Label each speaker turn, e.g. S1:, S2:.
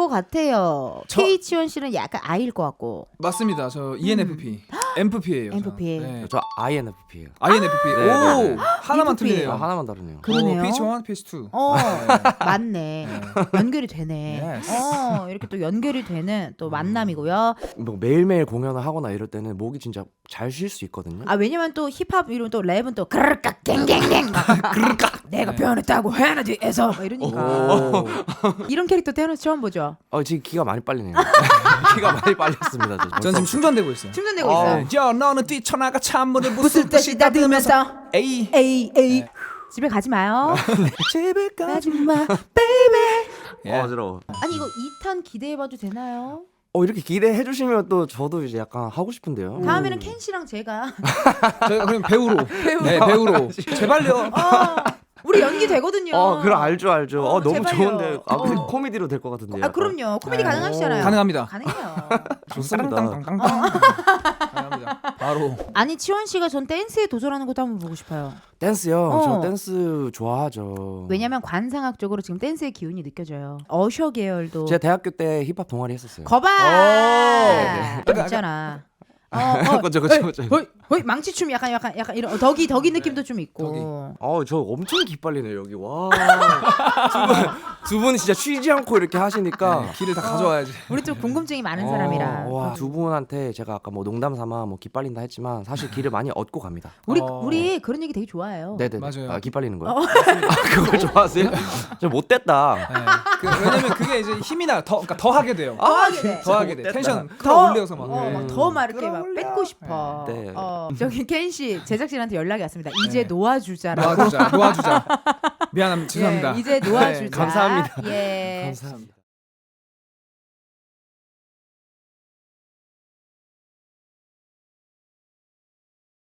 S1: 같아요. K치원 씨는 약간 I일 것 같고.
S2: 맞습니다. 저 ENFP, MFP예요.
S1: MFP.
S2: 네.
S3: 저 INFP예요.
S2: INFP.
S3: 네,
S2: 오,
S3: 네, 네.
S2: 하나만
S1: ENFP.
S2: 틀리네요.
S3: 하나만 다르네요.
S1: 그러네요.
S2: PH1, PH2.
S1: 맞네. 연결이 되네.
S2: Yes.
S1: 이렇게 또 연결이 되는 또 만남이고요.
S3: 뭐 매일매일 공연을 하거나 이럴 때는 목이 진짜 잘 쉴 수 있거든요.
S1: 아 왜냐면 또 힙합 이런 또 랩은 또 그르깍 갱갱갱 그르깍 내가 표현했다고 해야나 뒤에서 막 이러니까 이런 캐릭터 태어나서 처음 보죠.
S3: 지금 기가 많이 빨리네요. 기가 많이 빨렸습니다.
S2: 전 지금 충전되고 있어요.
S1: 충전되고 있어요.
S2: 야, 너는 뛰쳐나가 찬물을
S1: 무슨 뜻이 따뜻면서
S2: 에이.
S1: 에이 집에 가지 마요.
S2: 집에
S1: 가지 마 베이베.
S2: 예.
S3: 어지러워.
S1: 아니 이거 2탄 기대해봐도 되나요?
S3: 이렇게 기대해 주시면 또 저도 이제 약간 하고 싶은데요.
S1: 다음에는 켄 씨랑 제가
S2: 저희가 그럼 배우로. 네, 배우로. 제발요.
S1: 우리 연기 되거든요.
S3: 그럼 알죠. 너무
S1: 제발요.
S3: 좋은데. 코미디로 될 것 같은데요.
S1: 아 그럼요. 코미디
S2: 네.
S1: 가능하시잖아요.
S2: 가능합니다.
S1: 가능해요.
S3: 좋습니다.
S2: 가능합니다. 바로.
S1: 아니 치원 씨가 전 댄스에 도전하는 것도 한번 보고 싶어요.
S3: 댄스요. 저 댄스 좋아하죠.
S1: 왜냐면 관상학적으로 지금 댄스의 기운이 느껴져요. 어셔 계열도.
S3: 제가 대학교 때 힙합 동아리 했었어요.
S1: 거봐.
S2: 네.
S1: 있잖아.
S3: 그죠.
S1: 거의 망치춤 약간 이런 덕이 느낌도 좀 있고.
S3: 저 엄청 기빨리네요 여기. 와. 두 분이 진짜 쉬지 않고 이렇게 하시니까
S2: 길을 다 가져와야지.
S1: 우리 좀 궁금증이 많은 사람이라.
S3: 와, 두 분한테 제가 아까 뭐 농담 삼아 뭐 기빨린다 했지만 사실 길을 많이 얻고 갑니다.
S1: 우리 그런 얘기 되게 좋아해요.
S3: 네네.
S2: 맞아요.
S3: 기빨리는 거요? 그걸 좋아하세요? 저 못됐다.
S2: 네. 왜냐면 그게 이제 힘이 나요. 그러니까 더 하게 돼요.
S1: 더 하게 돼.
S2: 텐션
S1: 더
S2: 끌어올려서 막.
S1: 더 막 이렇게 막
S2: 끌어올려.
S1: 뺏고 싶어.
S3: 네.
S1: 저기 켄 씨 제작진한테 연락이 왔습니다. 이제 놓아주자라고.
S2: 놓아주자. 미안합니다. 죄송합니다.
S1: 예, 이제 놓아주자.
S3: 감사합니다.
S1: 예.
S3: 감사합니다.